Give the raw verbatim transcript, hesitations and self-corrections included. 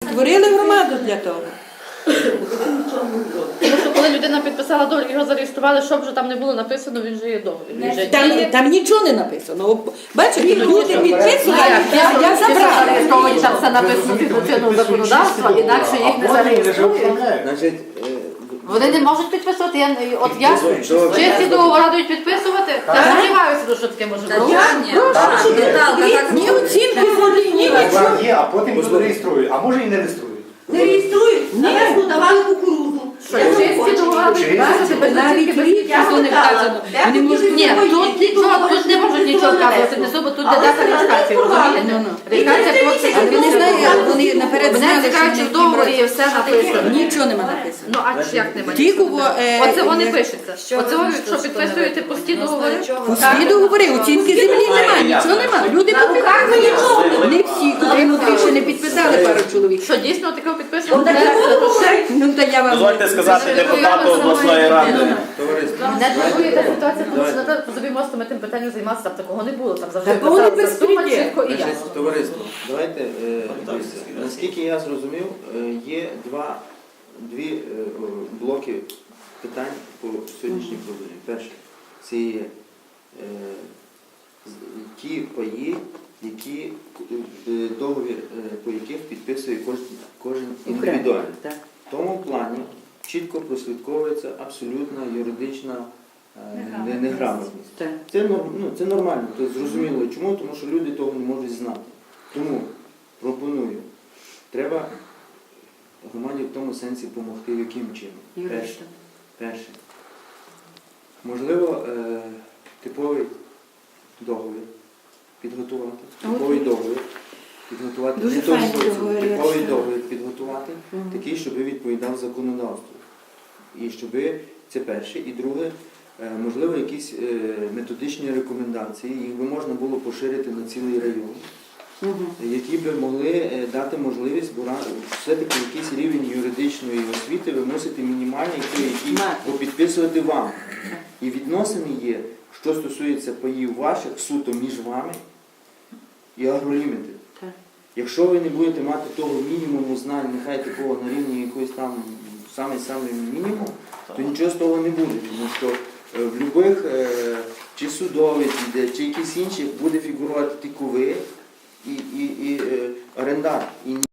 Створили громаду для того. Тому що коли людина підписала договір, його зареєстрували, що б вже там не було написано, він же є договір. Він же Там, діє. там нічого не написано. Бачите, люди підписували, я, я Якщо забрала. зареєстровані, там все написано згідно чинного законодавства, інакше їх не зареєструють. Значить, е, Вони не можуть підписувати. Я, от я, Що? чи ці договори дають підписувати? Я сподіваюся, що таке може бути. Ні оцінки води, ні нічого. План є, а потім хто реєструє, а може і не реєструють. Не реєструють, на нас давали кукурудзу. Що, чи ці договори дають підписувати без Навіть оцінки, без рік ніхто не вказано. Вони можуть... Ні, тут нічого, тут не можуть нічого вказувати, не суба, тут де дата реєстрації, розумієте? Реєстрація просто... Але вони знають, вони наперед Мене знали, цікавить, чи що в договорі є все написано. нічого нема написано. Ну, а як немає? Тільки во, е, Оце вони е, пишеться. Оце ви, якщо підписуєте пусті договори, Пусті договори, оцінки землі немає, нічого немає. Люди підписали. Не всі, котрі внутрі ще не підписали пару чоловік. що дійсно таке підписано? Ну, та я вам... Дозвольте сказати депутату обласної ради. товариство, Не турбує та ситуація, тому що на позові мосту ми тим питанням займатися, там такого не було, там завжди Такого не писалася сума, безпреділ. чітко і значить, ясно. товариство, давайте, е, дивіться, наскільки я зрозумів, е, є два, дві е, о, блоки питань по сьогоднішній проблемі. Перше, це є е, з- ті паї, які е, договір, е, по яких підписує кожен, кожен індивідуально. Так. В тому плані чітко прослідковується абсолютна юридична е, не- неграмотність. Так. Це, норм- ну, це нормально, це зрозуміло. Чому? Тому що люди того не можуть знати. Тому пропоную, треба громаді в тому сенсі допомогти, яким чином. Перше, Юристам. перше. Можливо, е, типовий договір підготувати. Типовий договір підготувати. Дуже Не той файний спосіб. договір, я Типовий читала. договір підготувати, такий, щоб відповідав законодавству. І щоб це перше. І друге, е, можливо, якісь е, методичні рекомендації, їх би можна було поширити на цілий район, які би могли е, дати можливість, бо ра- все-таки якийсь рівень юридичної освіти ви мусите мінімальний, той, який Мати. бо підписувати вам. І відносини є, що стосується паїв ваших, суто між вами і агроліміти. Так. Якщо ви не будете мати того мінімуму знань, нехай такого на рівні якоїсь там самий-самий мінімум, то нічого з того не буде. Тому що е, в будь-яких е, чи судових, чи якісь інших буде фігурувати тільки ви і, і, і е, орендар. І